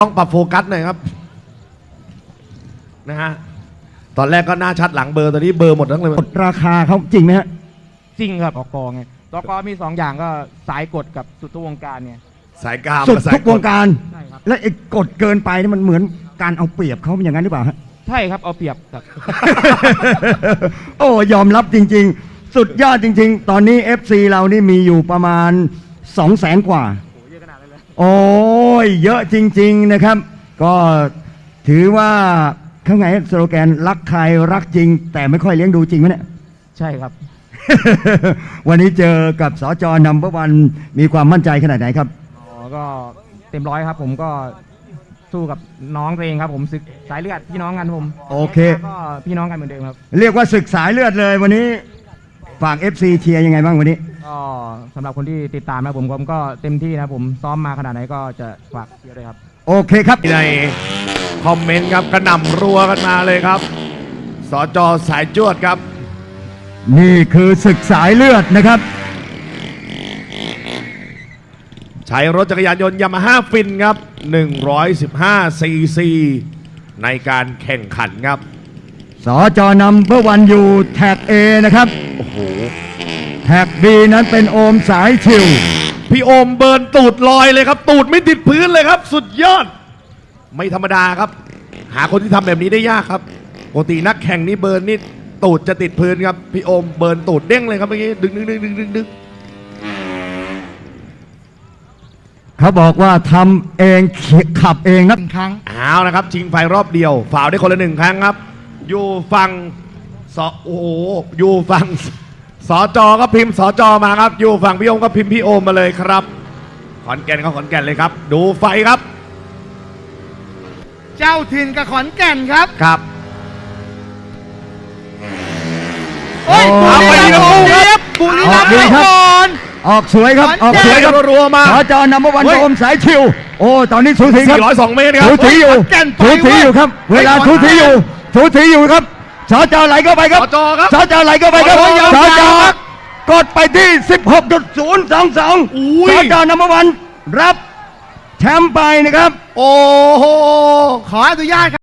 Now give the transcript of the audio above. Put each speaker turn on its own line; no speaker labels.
ต้องปรับโฟกัสหน่อยครับนะฮะตอนแรกก็หน้าชัดหลังเบอร์ตอนนี้เบอร์หมดทั้งเลย
กดราคาเขาจริงไหมฮะ
จริงครับกไงกมี2อย่างก็สายกดกับสุดทุกวงการเนี่ย
สายกาม
สุดทุกวงการ
ใช่ครับ
และไอ้กดเกินไปนี่มันเหมือนการเอาเปรียบเขาเป็นอย่างนั้นหรือเปล่าฮะ
ใช่ครับเอาเปรียบครับ
โอ้ยอมรับจริงๆสุดยอดจริงๆตอนนี้ FC เรานี่มีอยู่ประมาณ 200,000 กว่าโอ้ยเยอะจริงๆนะครับก็ถือว่าเขาไงสโลแกนรักใครรักจริงแต่ไม่ค่อยเลี้ยงดูจริงไหมเนี่ย
ใช่ครับ
วันนี้เจอกับสจนัมเบอร์วันมีความมั่นใจขนาดไหนครับ
ก็เต็มร้อยครับผมก็สู้กับน้องตัวเองครับผมศึกสายเลือดพี่น้องกันผม
โอเค
ก็พี่น้องกันเหมือนเดิมครับ
เรียกว่าศึกสายเลือดเลยวันนี้ฝาก FC เชียร์ยังไงบ้างวันนี้
ก็สำหรับคนที่ติดตามนะผมก็เต็มที่นะผมซ้อมมาขนาดไหนก็จะฝากเชียร์ด้วยครับ
โอเคครับ
ในคอมเมนต์ครับกระหน่ำรัวกันมาเลยครับสจ.สายจวดครับ
นี่คือศึกสายเลือดนะครับ
ใช้รถจักรยานยนต์ยามาฮ่าฟินครับ115ซีซีในการแข่งขันครับ
สจนัมเบอร์วันอยู่แท็ก A นะครับ
โอ้โห
แท็ก B นั้นเป็นโอมสายชิว
พี่โอมเบิร์นตูดลอยเลยครับตูดไม่ติดพื้นเลยครับสุดยอดไม่ธรรมดาครับหาคนที่ทำแบบนี้ได้ยากครับปกตินักแข่งนี่เบิร์นนี่ตูดจะติดพื้นครับพี่โอมเบิร์นตูดเด้งเลยครับเมื่อกี้ดึง
เขาบอกว่าทำเองขับเองนะ
ครั้ง
เอานะครับชิงไฟรอบเดียวฝ่าวได้คนละ1 ครั้งครับอยู่ฝั่งโอ้โหอยู่ฝั่งสจก็พิมพ์สจมาครับอยู่ฝั่งพี่โอมก็พิมพ์พี่โอมมาเลยครับขอนแก่นเขาขอนแก่นเลยครับดูไฟครับ
เจ้าถิ่นกับขอนแก่นครับ
ครับ
โอ้ยเอาไปดีครับบุรีรัมย์ก่อน
ออกสวยครับออกสวยครับ
รัวมา
สจนัมเบอร์วันโอมสายชิวโอ้ตอนนี้สูสีครับ
402 เมตรครับ
สูสีอยู่ครับเวลาสูสีอยู่ครับสจไหลเข้าไปครับสจไหลเข้าไปครับสจกดไปที่ 16.022 สจนัมเบอร์วันรับแชมป์ไปนะครับ
โอ้โห
ขออนุญาตครับ